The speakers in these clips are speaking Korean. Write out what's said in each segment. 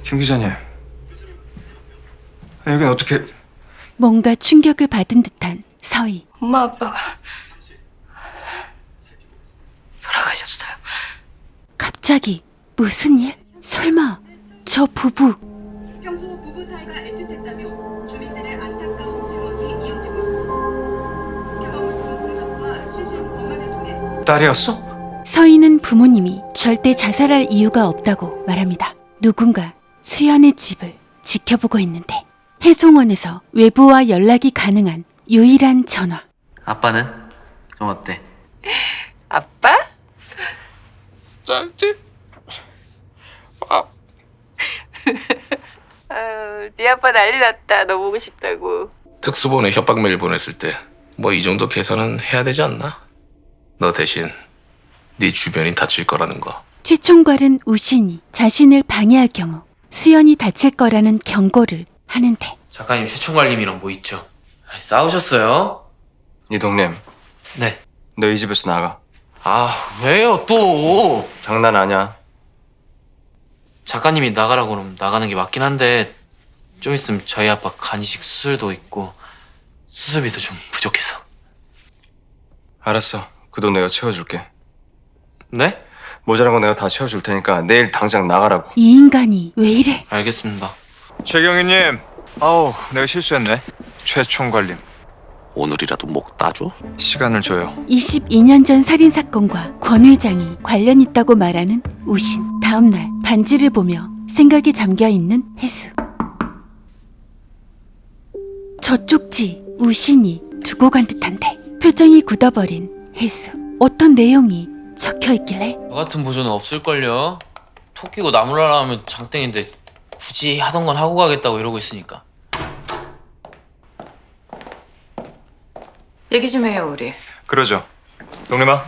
김 기자님, 여긴 어떻게... 뭔가 충격을 받은 듯한 서희. 엄마 아빠가 돌아가셨어요. 갑자기 무슨 일? 설마 저 부부 평소 부부 사이가 애틋했다며 주민들의 안타까운 증언이 이어지고 있습니다. 경험품 분석과 시신 검안을 통해 딸이었어? 서희는 부모님이 절대 자살할 이유가 없다고 말합니다. 누군가 수연의 집을 지켜보고 있는데 해송원에서 외부와 연락이 가능한 유일한 전화. 아빠는? 좀 어때? 아빠? 네 아빠 난리 났다. 너 보고 싶다고. 특수본에 협박 메일 보냈을 때 뭐 이 정도 계산은 해야 되지 않나? 너 대신 네 주변이 다칠 거라는 거. 최총괄은 우신이 자신을 방해할 경우 수연이 다칠 거라는 경고를 하는데 작가님 최총괄님이랑 뭐 있죠? 싸우셨어요? 이동님, 네. 너 이 집에서 나가. 아 왜요 또? 장난 아니야. 작가님이 나가라고 그러면 나가는 게 맞긴 한데 좀 있으면 저희 아빠 간이식 수술도 있고 수술비도 좀 부족해서. 알았어, 그 돈 내가 채워줄게. 네? 모자란 거 내가 다 채워줄 테니까 내일 당장 나가라고. 이 인간이 왜 이래? 알겠습니다. 최경희님, 아우 내가 실수했네. 최총괄님, 오늘이라도 목 따줘? 시간을 줘요. 22년 전 살인사건과 권 회장이 관련 있다고 말하는 우신. 다음날 반지를 보며 생각에 잠겨있는 혜수. 저쪽지 우신이 두고 간 듯한데 표정이 굳어버린 혜수. 어떤 내용이 적혀있길래 저 같은 보조는 없을걸요? 토 끼고 나무라라 하면 장땡인데 굳이 하던 건 하고 가겠다고 이러고 있으니까. 얘기 좀 해요 우리. 그러죠. 동림아,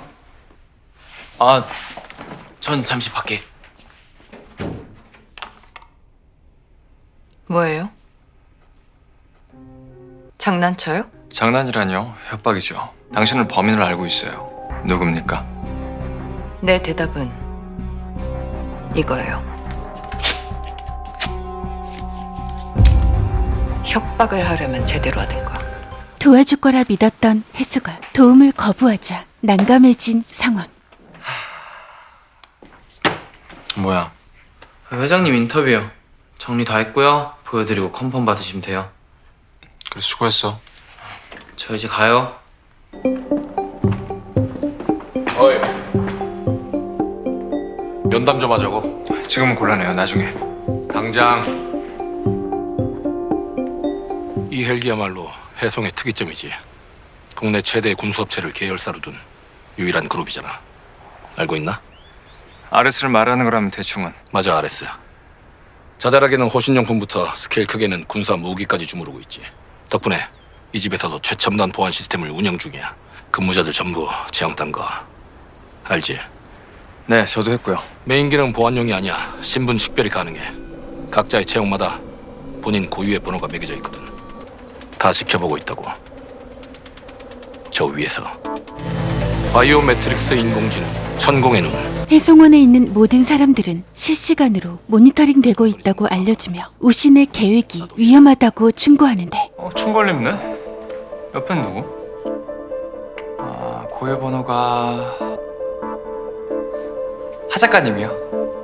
아, 전 잠시 밖에. 뭐예요? 장난쳐요? 장난이라뇨? 협박이죠. 당신은 범인을 알고 있어요. 누굽니까? 내 대답은 이거예요. 협박을 하려면 제대로 하든가. 도와줄 거라 믿었던 혜수가 도움을 거부하자 난감해진 상황. 뭐야? 회장님 인터뷰요. 정리 다 했고요. 보여드리고 컨펌 받으시면 돼요. 그래, 수고했어. 저 이제 가요. 어이. 면담 좀 하자고. 지금은 곤란해요. 나중에. 당장. 이 헬기야말로 해송의 특이점이지. 국내 최대 군수업체를 계열사로 둔 유일한 그룹이잖아. 알고 있나? 아레스를 말하는 거라면 대충은. 맞아, 아레스. 자잘하게는 호신용품부터 스케일 크게는 군사 무기까지 주무르고 있지. 덕분에 이 집에서도 최첨단 보안 시스템을 운영 중이야. 근무자들 전부 채용 딴 거 알지? 네, 저도 했고요. 메인 기능 보안용이 아니야. 신분 식별이 가능해. 각자의 채용마다 본인 고유의 번호가 매겨져 있거든. 다 지켜보고 있다고. 저 위에서 바이오 매트릭스 인공지능 천공의 눈. 해송원에 있는 모든 사람들은 실시간으로 모니터링 되고 있다고 알려주며 우신의 계획이 위험하다고 충고하는데 총괄님네? 옆엔 누구? 아, 고유 번호가... 하 작가님이요.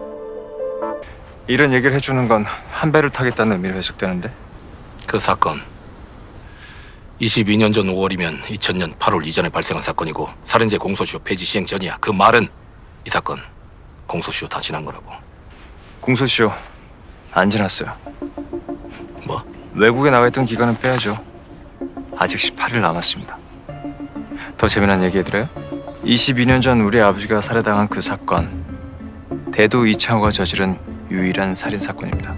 이런 얘기를 해주는 건 한 배를 타겠다는 의미로 해석되는데. 그 사건 22년 전 5월이면 2000년 8월 이전에 발생한 사건이고 살인죄 공소시효 폐지 시행 전이야. 그 말은 이 사건 공소시효 다 지난 거라고. 공소시효 안 지났어요. 뭐? 외국에 나가 있던 기간은 빼야죠. 아직 18일 남았습니다. 더 재미난 얘기 해드려요? 22년 전 우리 아버지가 살해당한 그 사건, 대도 이창호가 저지른 유일한 살인사건입니다.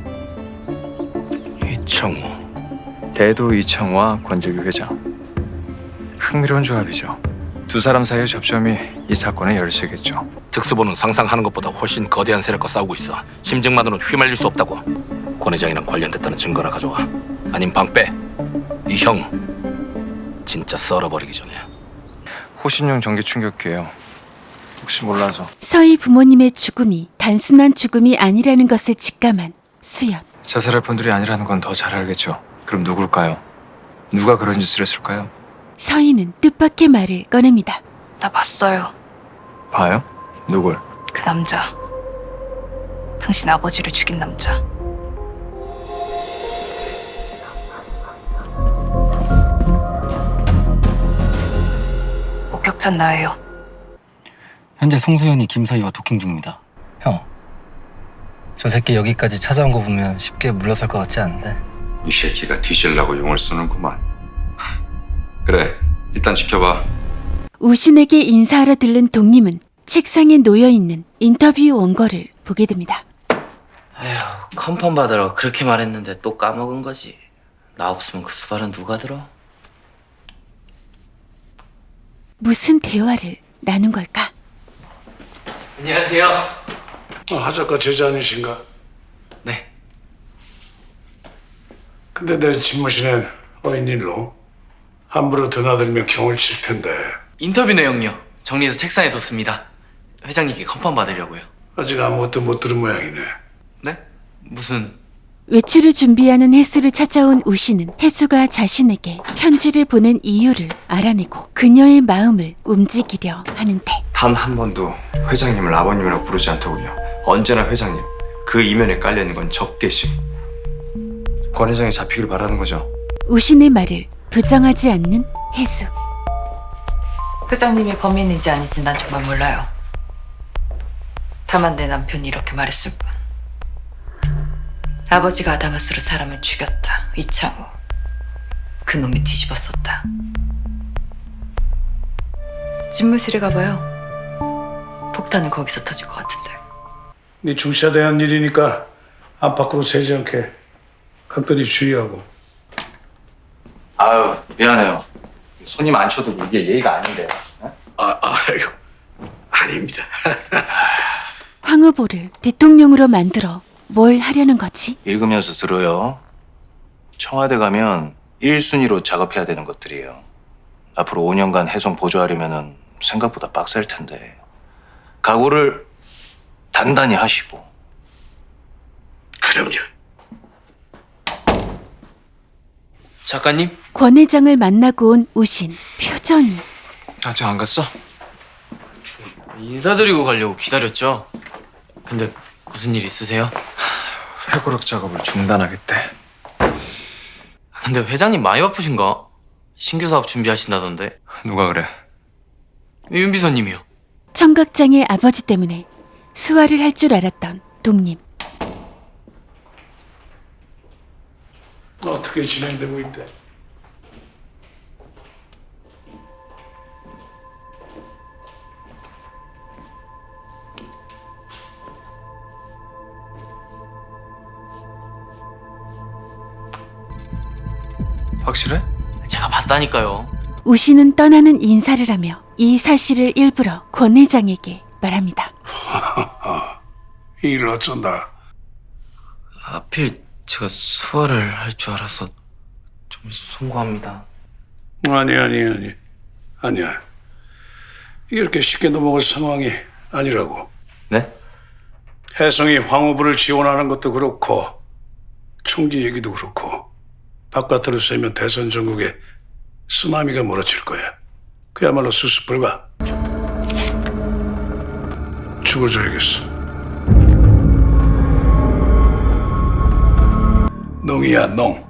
이창호. 대도 이창호와 권재규 회장. 흥미로운 조합이죠. 두 사람 사이의 접점이 이 사건의 열쇠겠죠. 특수본은 상상하는 것보다 훨씬 거대한 세력과 싸우고 있어. 심증만으로는 휘말릴 수 없다고. 권 회장이랑 관련됐다는 증거나 가져와. 아님 방빼. 이 형 진짜 썰어버리기 전에. 호신용 전기 충격기예요. 혹시 몰라서. 서희 부모님의 죽음이 단순한 죽음이 아니라는 것을 직감한 수연. 자살할 분들이 아니라는 건 더 잘 알겠죠. 그럼 누굴까요? 누가 그런 짓을 했을까요? 서희는 뜻밖의 말을 꺼냅니다. 나 봤어요. 봐요? 누굴? 그 남자. 당신 아버지를 죽인 남자. 목격자는 나예요. 현재 송수연이 김서희와 도킹 중입니다. 형, 저 새끼 여기까지 찾아온 거 보면 쉽게 물러설 것 같지 않은데? 이 새끼가 뒤질라고 용을 쓰는구만. 그래, 일단 지켜봐. 우신에게 인사하러 들른 독님은 책상에 놓여있는 인터뷰 원고를 보게 됩니다. 에휴, 컨펌 받으라고 그렇게 말했는데 또 까먹은 거지. 나 없으면 그 수발은 누가 들어? 무슨 대화를 나눈 걸까? 안녕하세요. 하 작가 제자 아니신가? 네. 근데 내 집무실엔 웬일로? 함부로 드나들면 경을 칠 텐데. 인터뷰 내용요. 정리해서 책상에 뒀습니다. 회장님께 컨펌 받으려고요. 아직 아무것도 못 들은 모양이네. 네? 무슨... 외출을 준비하는 혜수를 찾아온 우신은 혜수가 자신에게 편지를 보낸 이유를 알아내고 그녀의 마음을 움직이려 하는데 단 한 번도 회장님을 아버님이라고 부르지 않더군요. 언제나 회장님. 그 이면에 깔려있는 건 적개심. 권 회장이 잡히길 바라는 거죠. 우신의 말을 부정하지 않는 혜수. 회장님이 범인인지 아닌지 난 정말 몰라요. 다만 내 남편이 이렇게 말했을 뿐. 아버지가 아다마스로 사람을 죽였다. 이창호. 그놈이 뒤집었었다. 집무실에 가봐요. 폭탄은 거기서 터질 것 같은데. 네 중시대한 일이니까 안팎으로 새지 않게 각별히 주의하고. 아유, 미안해요. 손님 안 쳐도 이게 예의가 아닌데. 아이고, 아닙니다. 황 후보를 대통령으로 만들어 뭘 하려는 거지? 읽으면서 들어요. 청와대 가면 1순위로 작업해야 되는 것들이에요. 앞으로 5년간 해송 보조하려면 생각보다 빡셀 텐데 각오를 단단히 하시고. 그럼요. 작가님? 권 회장을 만나고 온 우신. 표정이. 아직 안 갔어? 인사드리고 가려고 기다렸죠. 근데 무슨 일 있으세요? 회고록 작업을 중단하겠대. 근데 회장님 많이 바쁘신가? 신규 사업 준비하신다던데. 누가 그래? 윤 비서님이요. 청각장애 아버지 때문에 수화를 할 줄 알았던 독님. 어떻게 진행되고 있대? 확실해? 제가 봤다니까요. 우신은 떠나는 인사를 하며 이 사실을 일부러 권 회장에게 말합니다. 이 일 어쩐다. 하필 제가 수화를 할 줄 알아서 좀 송구합니다. 아니야. 이렇게 쉽게 넘어갈 상황이 아니라고. 네? 혜성이 황 후보를 지원하는 것도 그렇고 총기 얘기도 그렇고 바깥으로 쐬면 대선 전국에 쓰나미가 몰아칠 거야. 그야말로 수습 불가. 죽어줘야겠어. 농이야, 농.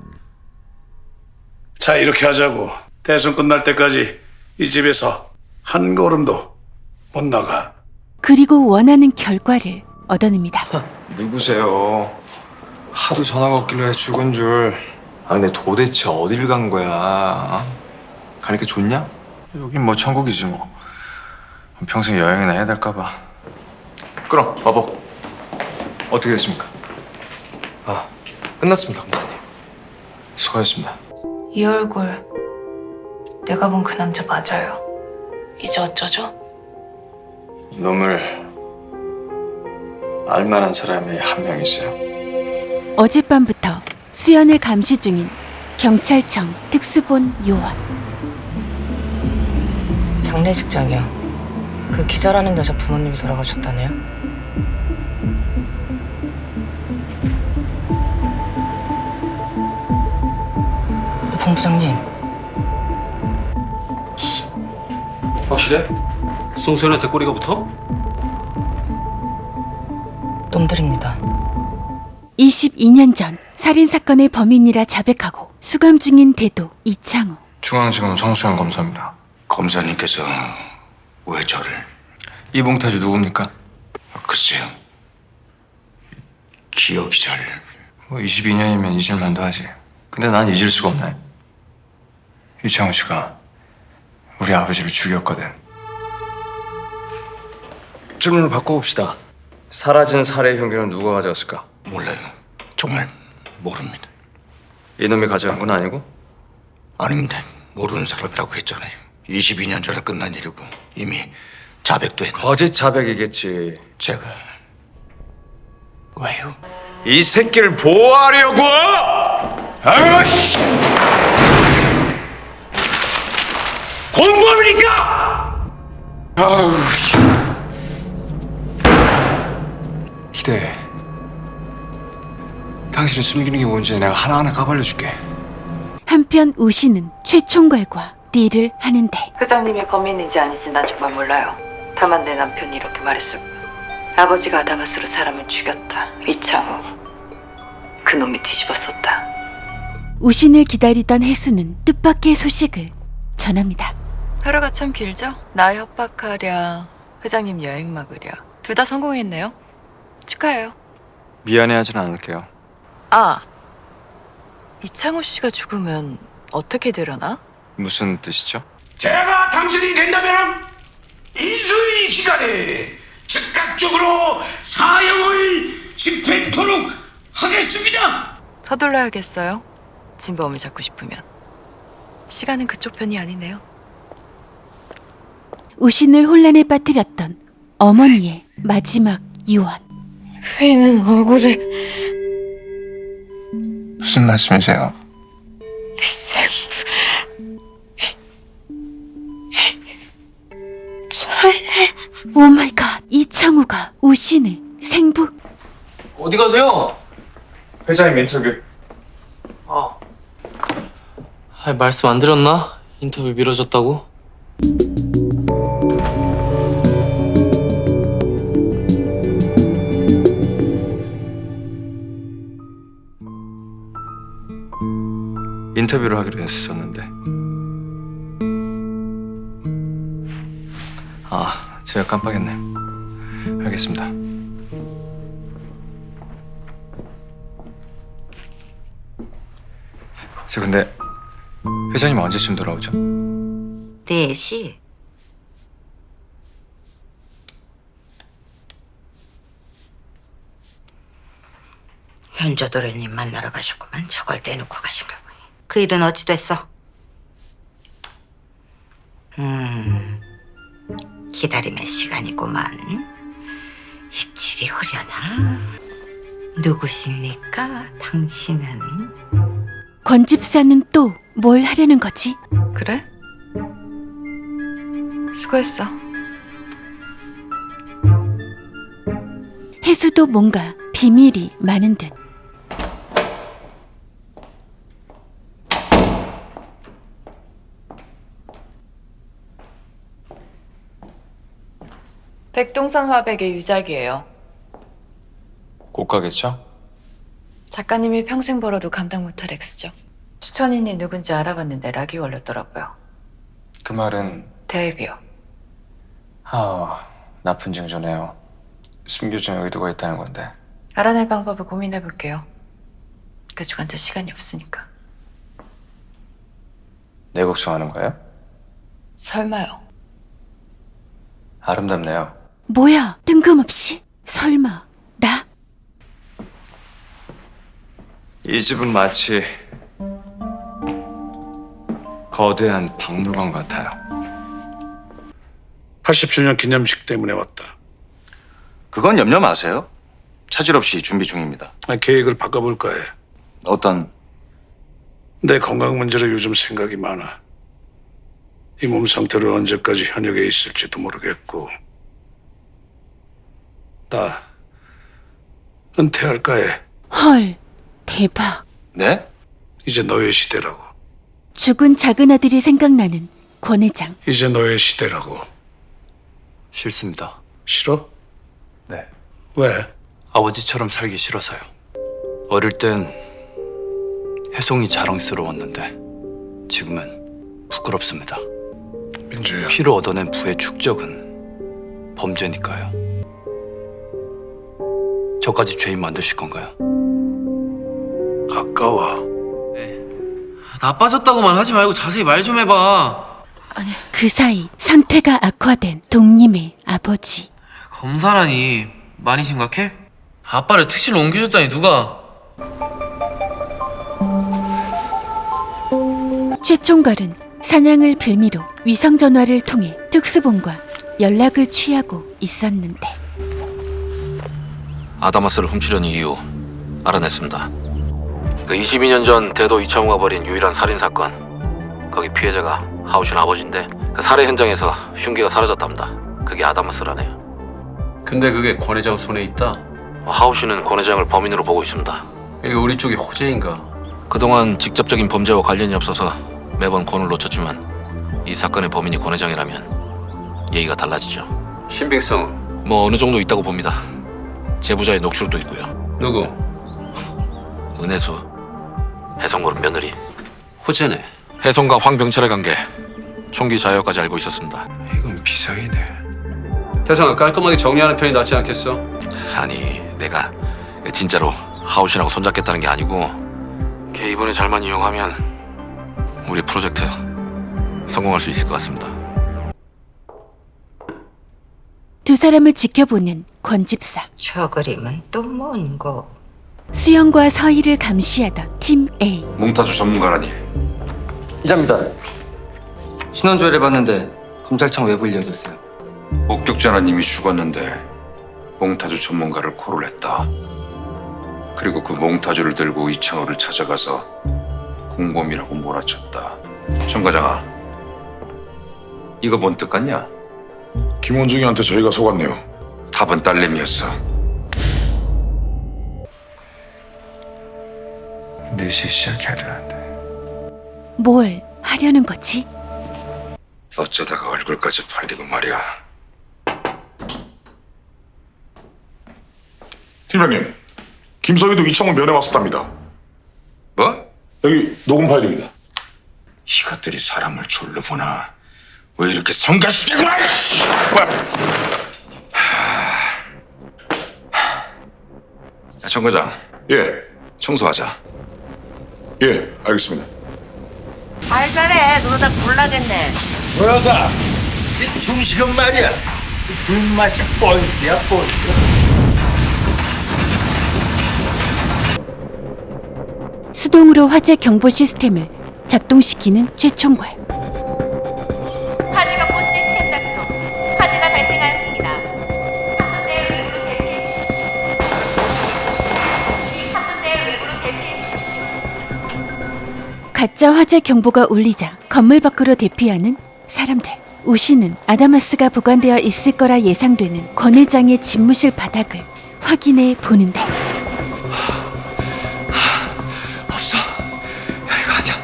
자, 이렇게 하자고. 대선 끝날 때까지 이 집에서 한 걸음도 못 나가. 그리고 원하는 결과를 얻어냅니다. 누구세요? 하도 전화가 없길래 죽은 줄. 아 근데 도대체 어딜 간 거야? 어? 가니까 좋냐? 여긴 뭐 천국이지 뭐. 평생 여행이나 해야 될까 봐. 끊어, 마법. 어떻게 됐습니까? 아, 끝났습니다, 검사님. 수고하셨습니다. 이 얼굴 내가 본 그 남자 맞아요. 이제 어쩌죠? 놈을 알만한 사람이 한 명 있어요. 어젯밤부터 수연을 감시 중인 경찰청 특수본 요원. 장례식장이요. 그 기자라는 여자 부모님이 돌아가셨다네요. 정 부장님, 확실해? 송수현한테 꼬리가 붙어? 놈들입니다. 22년 전 살인사건의 범인이라 자백하고 수감 중인 대도 이창우. 중앙지검 성수현 검사입니다. 검사님께서 왜 저를? 이봉태주 누굽니까? 글쎄요. 기억이 잘... 뭐 22년이면 잊을만도 하지. 근데 난 잊을 수가 없네. 이창우 씨가 우리 아버지를 죽였거든. 질문을 바꿔봅시다. 사라진 살해 흉기는 누가 가져갔을까? 몰라요. 정말 모릅니다. 이놈이 가져간 건 아니고? 아닙니다. 모르는 사람이라고 했잖아요. 22년 전에 끝난 일이고 이미 자백도 했는데 거짓 자백이겠지. 제가... 왜요? 이 새끼를 보호하려고! 아이씨! 공범이니까! 아우, 기대해. 당신이 숨기는 게 뭔지 내가 하나하나 까발려줄게. 한편 우씨는 최 총괄과 딜을 하는데 회장님이 범인인지 아닌지 난 정말 몰라요. 다만 내 남편이 이렇게 말했을 뿐. 아버지가 아다마스로 사람을 죽였다. 이창우. 그놈이 뒤집었었다. 우신을 기다리던 혜수는 뜻밖의 소식을 전합니다. 하루가 참 길죠? 나 협박하랴, 회장님 여행 막으랴. 둘 다 성공했네요. 축하해요. 미안해하진 않을게요. 아, 이창우 씨가 죽으면 어떻게 되려나? 무슨 뜻이죠? 제가 당신이 된다면 인수위 기간에 즉각적으로 사형을 집행토록 하겠습니다. 서둘러야겠어요. 진범을 잡고 싶으면. 시간은 그쪽 편이 아니네요. 우신을 혼란에 빠뜨렸던 어머니의 마지막 유언. 회의는 억울해. 무슨 말씀이세요? 오마이갓, 이창우가 우신을 생부. 어디 가세요? 회장님 인터뷰. 말씀 안 드렸나? 인터뷰 미뤄졌다고? 인터뷰를 하기로 했었는데. 제가 깜빡했네. 알겠습니다. 근데 회장님 언제쯤 돌아오죠? 4시. 현조 도련님 만나러 가셨구만. 저걸 떼놓고 가신 걸 보니. 그 일은 어찌 됐어? 기다림의 시간이구만. 입질이 오려나? 누구십니까, 당신은? 권 집사는 또 뭘 하려는 거지? 그래? 수고했어. 혜수도 뭔가 비밀이 많은 듯. 백동산 화백의 유작이에요. 고가겠죠? 작가님이 평생 벌어도 감당 못할 액수죠. 추천인이 누군지 알아봤는데 락이 걸렸더라고요. 그 말은 대비요. 나쁜 징조네요. 숨겨진 의도가 있다는 건데. 알아낼 방법을 고민해볼게요. 그쪽한테 시간이 없으니까. 내 걱정하는 거예요? 설마요. 아름답네요. 뭐야, 뜬금없이? 설마 나? 이 집은 마치 거대한 박물관 같아요. 80주년 기념식 때문에 왔다. 그건 염려 마세요. 차질 없이 준비 중입니다. 계획을 바꿔볼까 해. 어떤... 내 건강 문제로 요즘 생각이 많아. 이 몸 상태로 언제까지 현역에 있을지도 모르겠고. 나 은퇴할까 해. 헐, 대박. 네? 이제 너의 시대라고. 죽은 작은 아들이 생각나는 권 회장. 이제 너의 시대라고. 싫습니다. 싫어? 네. 왜? 아버지처럼 살기 싫어서요. 어릴 땐 혜송이 자랑스러웠는데 지금은 부끄럽습니다. 민주야. 피로 얻어낸 부의 축적은 범죄니까요. 저까지 죄인 만드실 건가요? 아까워. 나빠졌다고만 하지 말고 자세히 말 좀 해봐. 그 사이 상태가 악화된 동림의 아버지. 검사라니 많이 심각해? 아빠를 특실로 옮겨줬다니 누가? 최 총괄은 사냥을 빌미로 위성전화를 통해 특수본과 연락을 취하고 있었는데 아다마스를 훔치려는 이유 알아냈습니다. 그 22년 전 대도 이창호가 벌인 유일한 살인 사건, 거기 피해자가 하우신 아버지인데 그 살해 현장에서 흉기가 사라졌답니다. 그게 아다마스라네요. 근데 그게 권 회장 손에 있다? 하우신은 권 회장을 범인으로 보고 있습니다. 이거 우리 쪽이 호재인가? 그동안 직접적인 범죄와 관련이 없어서 매번 권을 놓쳤지만 이 사건의 범인이 권 회장이라면 얘기가 달라지죠. 신빙성 뭐 어느 정도 있다고 봅니다. 제보자의 녹취록도 있고요. 누구? 은혜수, 혜성그룹 며느리. 호재네. 혜성과 황병철의 관계, 총기 자여까지 알고 있었습니다. 이건 비상이네. 태성아, 깔끔하게 정리하는 편이 낫지 않겠어? 아니, 내가 진짜로 하우신하고 손잡겠다는 게 아니고 걔 이번에 잘만 이용하면 우리 프로젝트 성공할 수 있을 것 같습니다. 두 사람을 지켜보는 권 집사. 저 그림은 또 뭔고? 수영과 서희를 감시하던 팀 A. 몽타주 전문가라니. 기자입니다. 신원조회를 해봤는데 검찰청 외부 인력이었어요. 목격자 하나님이 죽었는데 몽타주 전문가를 코를 했다. 그리고 그 몽타주를 들고 이창호를 찾아가서 공범이라고 몰아쳤다. 정 과장아, 이거 뭔 뜻 같냐? 김원중이한테 저희가 속았네요. 답은 딸내미였어. 4시에 시작해야 되는데 뭘 하려는 거지? 어쩌다가 얼굴까지 팔리고 말이야. 팀장님, 김서희도 이창호 면회 왔었답니다. 뭐? 여기 녹음 파일입니다. 이것들이 사람을 졸로 보나? 왜 이렇게 성가시게구나! 정 과장, 예, 청소하자. 예, 알겠습니다. 알잘해. 너다 불나겠네. 여사, 이 중식은 말이야. 불맛이 뻘이야, 뻘. 수동으로 화재 경보 시스템을 작동시키는 최 총괄. 화재 경보 시스템 작동. 화재가 발생하였습니다. 3분 내에 외부로 대피해 주십시오. 3분 내에 외부로 대피해 주십시오. 가짜 화재 경보가 울리자 건물 밖으로 대피하는 사람들. 우씨는 아다마스가 보관되어 있을 거라 예상되는 권 회장의 집무실 바닥을 확인해 보는데 없어. 이거 아니야.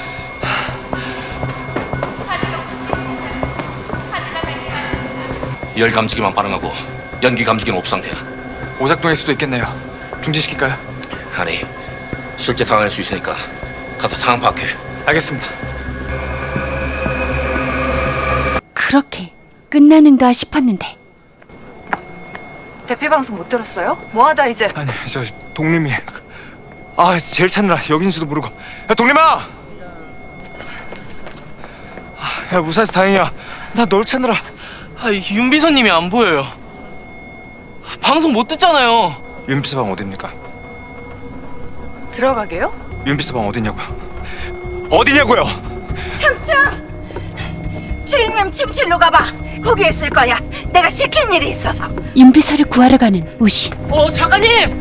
화재 경보 시스템 작동. 화재가 발생하였습니다. 열 감지기만 반응하고 연기 감지기는 오프 상태야. 오작동일 수도 있겠네요. 중지시킬까요? 아니, 실제 상황일 수 있으니까 가서 상황 파악해. 알겠습니다. 그렇게 끝나는가 싶었는데 대피 방송 못 들었어요? 뭐하다 이제? 아니, 저 동림이 제일 찾느라 여긴지도 모르고. 야, 동림아! 야, 무사해서 다행이야. 나 널 찾느라. 윤 비서님이 안 보여요. 방송 못 듣잖아요. 윤 비서방 어딥니까? 들어가게요? 윤 비서방 어디냐고요? 어디냐고요? 삼촌! 주인님 침실로 가봐. 거기 있을 거야. 내가 시킨 일이 있어서. 윤비서를 구하러 가는 우신. 작가님!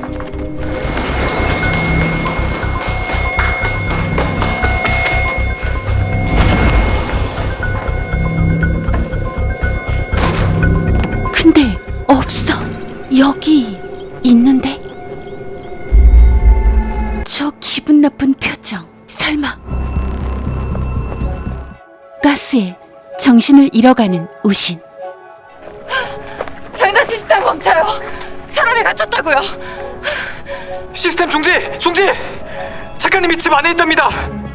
근데 없어. 여기 있는데 저 기분 나쁜 표정. 설마 가스에 정신을 잃어가는 우신. 변화 시스템 멈춰요. 사람이 갇혔다고요. 시스템 중지! 중지! 작가님이 집 안에 있답니다.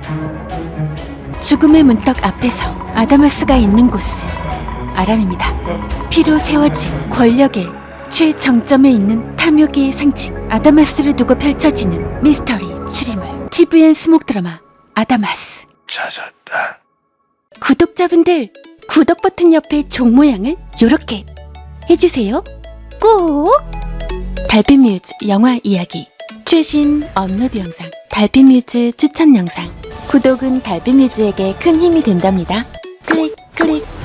죽음의 문턱 앞에서 아다마스가 있는 곳을 알아냅니다. 피로 세워진 권력의 최정점에 있는 탐욕의 상징 아다마스를 두고 펼쳐지는 미스터리 추리물 TVN 스목 드라마 아다마스. 찾았다. 구독자분들 구독 버튼 옆에 종 모양을 요렇게 해주세요. 꼭! 달빛뮤즈 영화 이야기 최신 업로드 영상 달빛뮤즈 추천 영상 구독은 달빛뮤즈에게 큰 힘이 된답니다. 클릭 클릭.